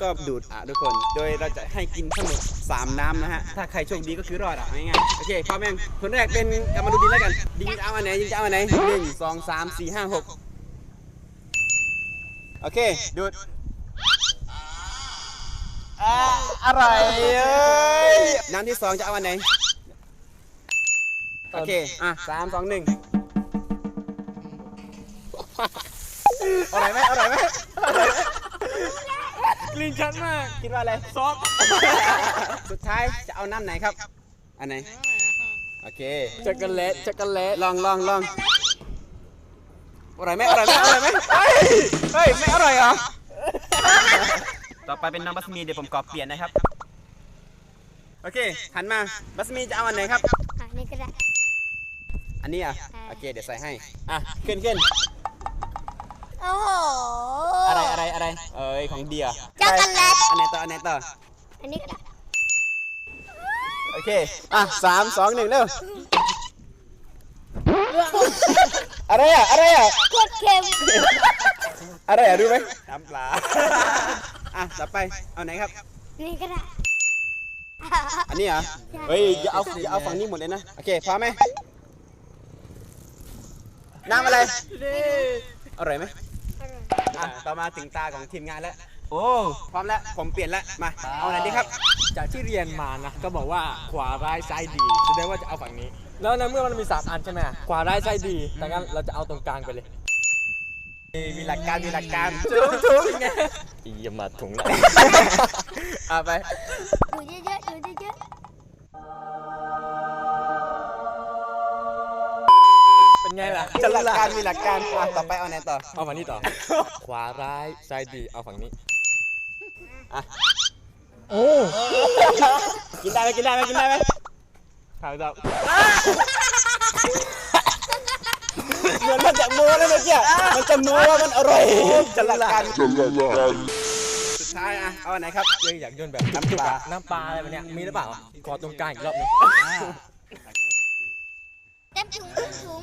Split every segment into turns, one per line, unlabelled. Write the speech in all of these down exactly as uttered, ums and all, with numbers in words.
ก็ดูดอ่ะทุกคนโดยเราจะให้กินทั้งหมดสามน้ำนะฮะถ้าใครโชคดีก็คือรอดอ่ะง่ายๆโอเคพร้อมยังคนแรกเป็นกลับมาดูดินแล้วกันดินจะเอาอันไหนดินจะเอาอันไหนหนึ่งสองสามสี่ห้าหกโอเคดูดอ่าอะไรเอ้ยน้ำที่สองจะเอาอันไหนโอเคอ่ะสามสองหนึ่งอร่อยไหมอร่อยไหมกลิ่นชัดมากคิดว่าอะไรซอสสุดท้ายจะเอาน้ำไหนครับอันไหนโอเคช็อกโกแลตช็อกโกแลตลองลองลองอร่อยไหมอร่อยไหมอร่อยไหมเฮ้ยเฮ้ยไม่อร่อยเหรอต่อไปเป็นน้ำบัสมีเดี๋ยวผมกรอบเปลี่ยนนะครับโอเคหันมาบัสมีจะเอาอันไหนครับ
อันนี้ก็ได้
อันนี้อ่ะโอเคเดี๋ยวใส่ให้อ่ะขึ้นขึ้น
โอ้โห
อะไรอะไรอะไรเอ้ยของเดีย
ช็อกโกแลต
อันไหนต่ออันไหนต่อ
อันนี้ก็ได้
โอเคอ่ะสามสองหนึ่งเร็วอะไรอ่ะอะไรอ่ะ
โคตรเค็ม
อะไรอ่ะรู้ไหมน้ำปลาอ่ะต่อไปเอาไหนครับ
นี่ก็ได้
อันนี้เหรอเฮ้ยอย่าเอาอย่าเอาฝั่งนี้หมดเลยนะโอเคพร้อมไหมน้ำอะไรอร่อยไหมอ่ะต่อมาถึงตาของทีมงานแล้วโอ้พร้อมแล้วผมเปลี่ยนแล้วมาเอาไหนดีครับ
จากที่เรียนมานะก็บอกว่าขวาร้ายซ้ายดีแสดงว่าจะเอาฝั่งนี้แล้วในเมื่อมันมีสามอันใช่ไหมขวาร้ายซ้ายดีดังนั้นเราจะเอาตรงกลางไปเลย
มีหลักการมีหลักการ
ถูกถูกไงอย่ามาถุงละ
เอาไป
ดูเยอะๆดูเยอะ
เป็นไงล่ะ
จะหลักการมีหลักการอ่ะต่อไปเอาไหนต่อ
เอาฝั่งนี้ต่อขวาร้ายซ้ายดีเอาฝั่งนี้
อ่ะ
โอ้
กินได้ไหมกินได้ไหมกินได้ไหม
ถามจับ
เหมือนมันจะโม้แล้วเมื่อกี้มันจะโม้ว่ามันอร่อยจะหลักการจะหลักการสุดท้ายอ่ะเอาไหนครับ
เอ้ยอยากโยนแบบน้ำปลาน้ำปลาอะไรแบบเนี้ยมีหรือเปล่าขอตรงกลางอีกรอบนึง
เต็มถุงเต็มถุง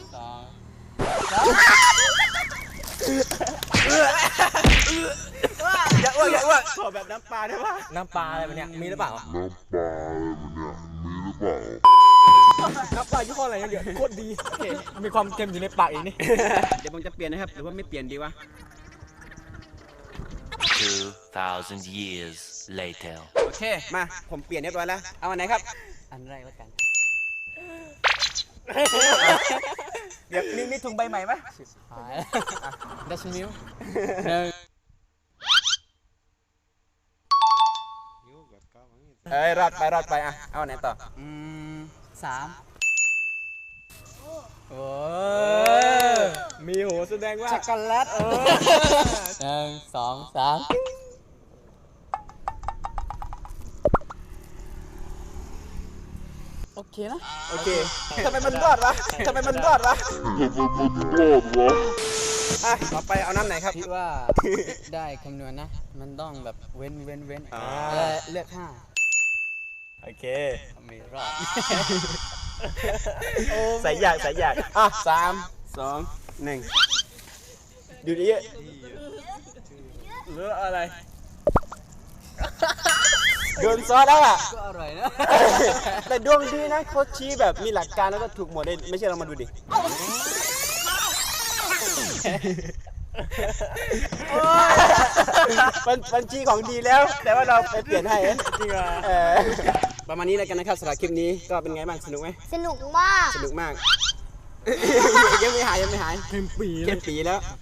อย่าอ้วกอย่าอ้วกขอแบบน้ำปลาได้ปะ
น้ำปลาอะไรแบบเนี้ยมีหรือเปล่า
น้ำปลาอะไรแบบเนี้ยมีหรือเปล่า
น้ำปลายี่ห้ออะไรเนี่ยโคตรดีมีความเค็มอยู่ในปากอีกนี่
เดี๋ยวผมจะเปลี่ยนนะครับหรือว่าไม่เปลี่ยนดีวะ
two thousand years later
โอเคมาผมเปลี่ยนเรียบร้อยแล้วเอาอันไหนครับ
อันแรกแล้วกัน
เดี๋ยวมีมีถุงใบใหม่ไหม
หายดัชมิลหนึ่ง
เอ้ยรอดไปรอดไปอ่ะเอาไหนต่ออืม
สามโอ้มีโหแสดงว่า
ช็อกโกแลตเออ
หนึ่งสองสามโอเคนะ
โอเคทำไมมันรอดวะทำไมมันรอดวะ
ทำไมมันรอดวะ
อ่ะต่อไปเอาน้ำไหนครับ
คิดว่าได้คำนวณนะมันต้องแบบเว้นเว้นเว้นเลือกห้า
โอเค
ไม่รอด
ใส่ยากใส่ยากอ่ะสามสองหนึ่งดูดิ
เหลืออะไร
โดนซอสแล้วอ่ะ
ก็อร่อยนะ
แต่ดวงดีนะเขาชี้แบบมีหลักการแล้วก็ถูกหมดเลยไม่ใช่เรามาดูดิมันมันชี้ของดีแล้วแต่ว่าเราไปเปลี่ยนให้
จริงเหรอ
ประมาณนี้แล้วกันนะครับสำหรับคลิปนี้ก็เป็นไงบ้างสนุกไหม
สนุกมาก
สนุกมากยังไม่หายยังไม่หาย
เค็มปี
เค็มปีแล้ว